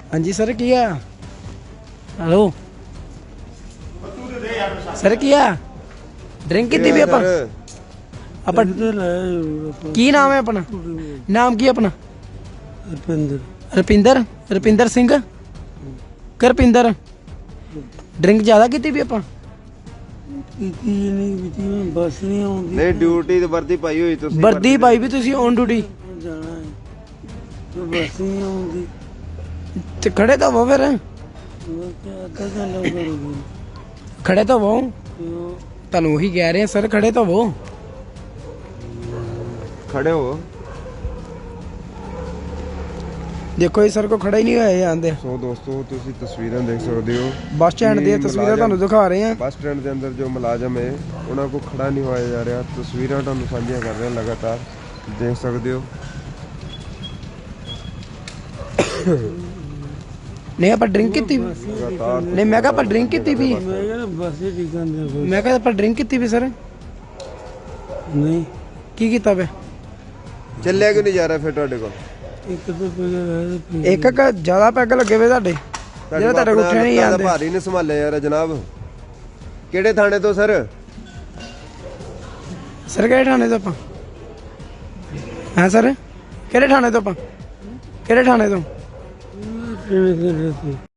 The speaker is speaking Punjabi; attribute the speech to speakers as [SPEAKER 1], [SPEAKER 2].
[SPEAKER 1] हाँ जी सर किया हेलो सर किया ड्रिंक की भी अपन अपन की नाम है अपना नाम की अपना रपिंदर रपिंदर सिंह करपिंदर ड्रिंक ज्यादा की भी अपन
[SPEAKER 2] बस नहीं आਉਂਦੀ
[SPEAKER 3] ਨਹੀਂ ਡਿਊਟੀ ਤੇ ਵਰਦੀ ਪਾਈ ਹੋਈ ਤੁਸੀਂ
[SPEAKER 1] वर्दी पाई भी तुसी ऑन ड्यूटी
[SPEAKER 2] ਜਾਣਾ ਹੈ ਤੇ ਬਸ ਨਹੀਂ ਆਉਂਦੀ
[SPEAKER 1] ते खड़े तो वो फिर
[SPEAKER 2] ਉਹ ਕਿ ਅੱਧਾ ਘੰਟਾ ਕਰੂਗੀ
[SPEAKER 1] खड़े तो वो
[SPEAKER 2] ਤੇ ਉਹ
[SPEAKER 1] ਤੁਹਾਨੂੰ ਉਹੀ ਕਹਿ ਰਹੇ ਆ ਸਰ ਖੜੇ ਤਾਂ वो
[SPEAKER 3] ਖੜੇ ਹੋ
[SPEAKER 1] ਦੇਖੋ ਇਹ ਸਰ ਕੋ ਖੜਾ ਹੀ ਨਹੀਂ ਹੋਇਆ ਇਹ ਆਂਦੇ
[SPEAKER 3] ਸੋ ਦੋਸਤੋ ਤੁਸੀਂ ਤਸਵੀਰਾਂ ਦੇਖ ਸਕਦੇ ਹੋ
[SPEAKER 1] ਬੱਸ ਸਟੈਂਡ ਦੀਆਂ ਤਸਵੀਰਾਂ ਤੁਹਾਨੂੰ ਦਿਖਾ ਰਹੇ ਆ
[SPEAKER 3] ਬੱਸ ਸਟੈਂਡ ਦੇ ਅੰਦਰ ਜੋ ਮੁਲਾਜ਼ਮ ਹੈ ਉਹਨਾਂ ਕੋ ਖੜਾ ਨਹੀਂ ਹੋਇਆ ਜਾ ਰਿਹਾ ਤਸਵੀਰਾਂ ਤੁਹਾਨੂੰ ਸਾਂਝੀਆਂ ਕਰ ਰਹੇ ਹਾਂ ਲਗਾਤਾਰ ਦੇਖ ਸਕਦੇ ਹੋ
[SPEAKER 1] ਨਹੀਂ ਆਪਾਂ ਡਰਿੰਕ ਕੀਤੀ ਵੀ
[SPEAKER 3] ਲਗਾਤਾਰ
[SPEAKER 1] ਨਹੀਂ ਮੈਂ ਕਿਹਾ ਆਪਾਂ ਡਰਿੰਕ ਕੀਤੀ ਵੀ
[SPEAKER 2] ਮੈਂ ਕਿਹਾ ਬਸ ਹੀ ਠੀਕ ਆਂਦੇ ਕੋਈ
[SPEAKER 1] ਮੈਂ ਕਿਹਾ ਆਪਾਂ ਡਰਿੰਕ ਕੀਤੀ ਵੀ ਸਰ
[SPEAKER 2] ਨਹੀਂ
[SPEAKER 1] ਕੀ ਕੀਤਾ ਵੇ
[SPEAKER 3] ਚੱਲਿਆ ਕਿਉਂ ਨਹੀਂ ਜਾ ਰਿਹਾ ਫਿਰ ਤੁਹਾਡੇ ਕੋਲ
[SPEAKER 2] ਇੱਕ ਤਾਂ ਪੈਗਾ ਹੈ ਤੇ
[SPEAKER 1] ਇੱਕ ਇੱਕ ਜ਼ਿਆਦਾ ਪੈਗ ਲੱਗੇ ਵੇ ਤੁਹਾਡੇ ਜਿਹੜਾ ਤੁਹਾਡੇ ਕੋਲ ਉੱਠਿਆ ਨਹੀਂ ਆਂਦੇ
[SPEAKER 3] ਭਾਰੀ ਨੇ ਸੰਭਾਲਿਆ ਯਾਰ ਜਨਾਬ ਕਿਹੜੇ ਥਾਣੇ ਤੋਂ ਸਰ
[SPEAKER 1] ਸਰ ਕਿਹੜੇ ਥਾਣੇ ਤੋਂ ਆਪਾਂ ਹਾਂ ਸਰ ਕਿਹੜੇ ਥਾਣੇ ਤੋਂ ਆਪਾਂ ਕਿਹੜੇ ਥਾਣੇ ਤੋਂ
[SPEAKER 2] ਟ੍ਰੇਨ ਕਰ ਰਹੀ ਸੀ